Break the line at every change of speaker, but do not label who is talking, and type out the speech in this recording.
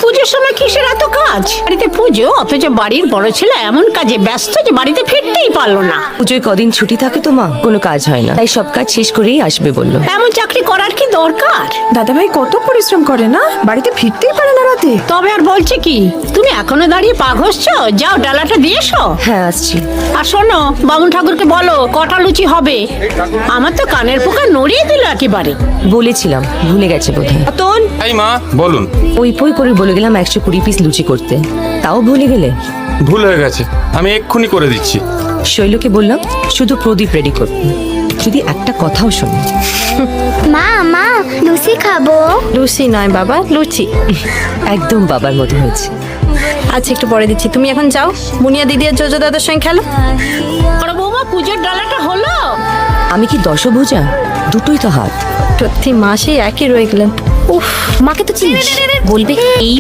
পুজোর সময় কিসের এত কাজ? বাড়িতে পুজো, অথচ বাড়ির বড় ছেলে এমন কাজে ব্যস্ত যে বাড়িতে ফিরতেই পারলো না।
পুজোয় কদিন ছুটি থাকে তো মা, কোনো কাজ হয় না, তাই সব কাজ শেষ করেই আসবে বললো।
এমন চাকরি করার কি দরকার?
দাদাভাই কত পরিশ্রম করে না, বাড়িতে ফিরতেই পারে না রাতে।
তবে আর বলছে কি, তুমি এখনো দাঁড়িয়ে পা ঘষছো? যাও ডালাটা দিয়ে এসো।
হ্যাঁ আসছি।
আর শোনো, বামুন ঠাকুরকে বলো কটা লুচি হবে। আমার তো কানের পোকা নড়িয়ে দিল একেবারে।
বলেছিলাম, ভুলে গেছে বোধহয়। রতন,
এই মা বলুন।
ওই পই করে বলে গেলাম 120 পিস লুচি করতে, তাও ভুলে গেলে।
ভুল হয়ে গেছে, আমি এক্ষুনি করে দিচ্ছি।
শৈলকে বললাম শুধু প্রদীপ রেডি করতে, যদি একটা কথাও শোনে।
মা মা লুচি খাবো।
লুচি নয় বাবা, লুচি।
একদম বাবার মতো হয়েছে।
আচ্ছা একটু পরে দিচ্ছি, তুমি এখন যাও, মুনিয়া দিদি আর জোজো দাদার সঙ্গে খেলো।
বড় বৌমা, পুজোর ডালাটা হলো?
আমি কি দশভুজা? দুটোই তো হাত।
প্রতি মাসে একই রয়ে গেলেন। উফ,
মাকে তো চিনিস, বলবে এই